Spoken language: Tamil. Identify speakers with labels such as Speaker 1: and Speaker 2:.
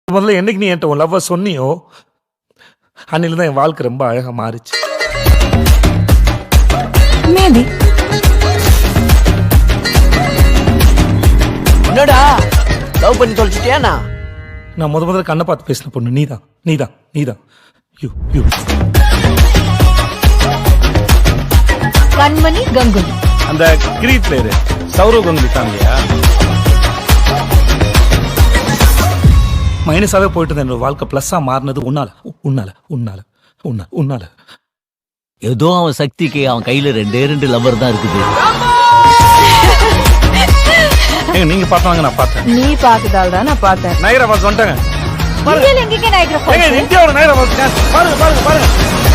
Speaker 1: முதல்ல என்னைக்கு நீ என்கிட்ட உன் லவ்வை சொன்னியோ அன்னில தான் என் வாழ்க்கை ரொம்ப அழகா மாறிச்சு.
Speaker 2: மேபி
Speaker 3: என்னடா லவ் பண்ணி தொலைச்சிட்டியா?
Speaker 1: நான் முதல்ல கண்ணை பார்த்து பேசின பொண்ணு நீதான் நீதான் நீதான். யூ யூ
Speaker 2: கண்மணி கங்குலி.
Speaker 4: அந்த கிரீட் பிளேயர் சௌரவ் கங்குலி ஃபேமிலியா?
Speaker 1: மைனஸாவே போயிட்டு இருந்த என்னோட வாழ்க்கை பிளஸ்ஸா மாறினது உன்னால உன்னால உன்னால உன்னால உன்னால.
Speaker 5: ஏதோ அவன் சக்திக்கு அவன் கையில 2 லவர் தான் இருக்குது.
Speaker 1: ஏங்க நீங்க பார்த்தாங்க நான் பார்த்தேன்.
Speaker 2: நீ பார்த்ததால தான் நான் பார்த்தேன்.
Speaker 1: நைரா பாஸ் வந்துட்டாங்க.
Speaker 2: இந்தியால எங்கேங்க நைக்ரா
Speaker 1: ஏங்க இந்தியாவோட நைரா பாஸ் பாருங்க பாருங்க பாருங்க.